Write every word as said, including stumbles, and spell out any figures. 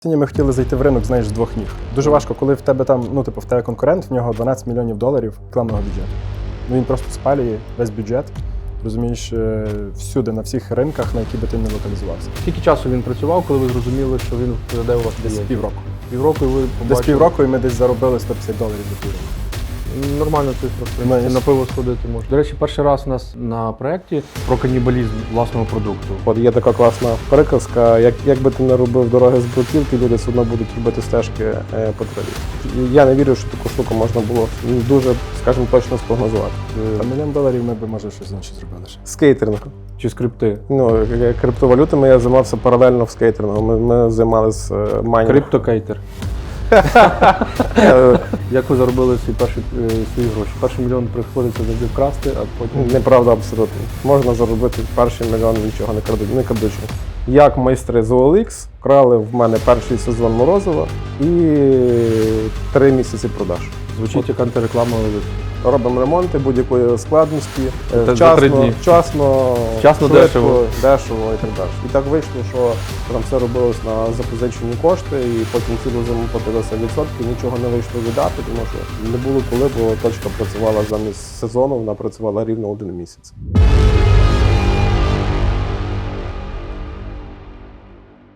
Ми хотіли зайти в ринок, знаєш, з двох ніг. Дуже важко, коли в тебе там, ну, типу, в тебе конкурент, в нього дванадцять мільйонів доларів рекламного бюджету. Ну, він просто спалює весь бюджет, розумієш, всюди, на всіх ринках, на які би ти не локалізувався. Скільки часу він працював, коли ви зрозуміли, що він вкладе у вас Десь клієнтів? півроку. Півроку і ви побачили? Десь півроку і ми десь заробили сто п'ятдесят доларів за півроку. Нормально цифра, в принципі, на пиво сходити можна. До речі, перший раз у нас на проєкті про канібалізм власного продукту. От є така класна приказка, як, як би ти не робив дороги з бруківки, люди все одно будуть робити стежки е, по траві. Я не вірю, що таку штуку можна було дуже, скажімо, точно спрогнозувати. Та мільйон доларів ми б, може, щось інше зробили ще. Скейтеринг. Чи скрипти? Ну, криптовалютами я займався паралельно в скейтерингу. Ми, ми займалися майнінгом. Криптокейтер. Як ви заробили свої перші е, свої гроші? Перший мільйон приходиться завжди вкрасти, а потім... Неправда абсолютно. Можна заробити перший мільйон, нічого не крадуть, не крадучи. Як майстри з о ел ікс вкрали в мене перший сезон Морозова і три місяці продаж. Звучить як антиреклама. Робимо ремонти будь-якої складності, Це вчасно, за три дні. вчасно, Вчасно, швидко, дешево. дешево і так далі. І так вийшло, що там все робилось на запозичені кошти, і потім цілу зиму платилися відсотки, нічого не вийшло віддати, тому що не було коли, бо точка працювала замість сезону, вона працювала рівно один місяць.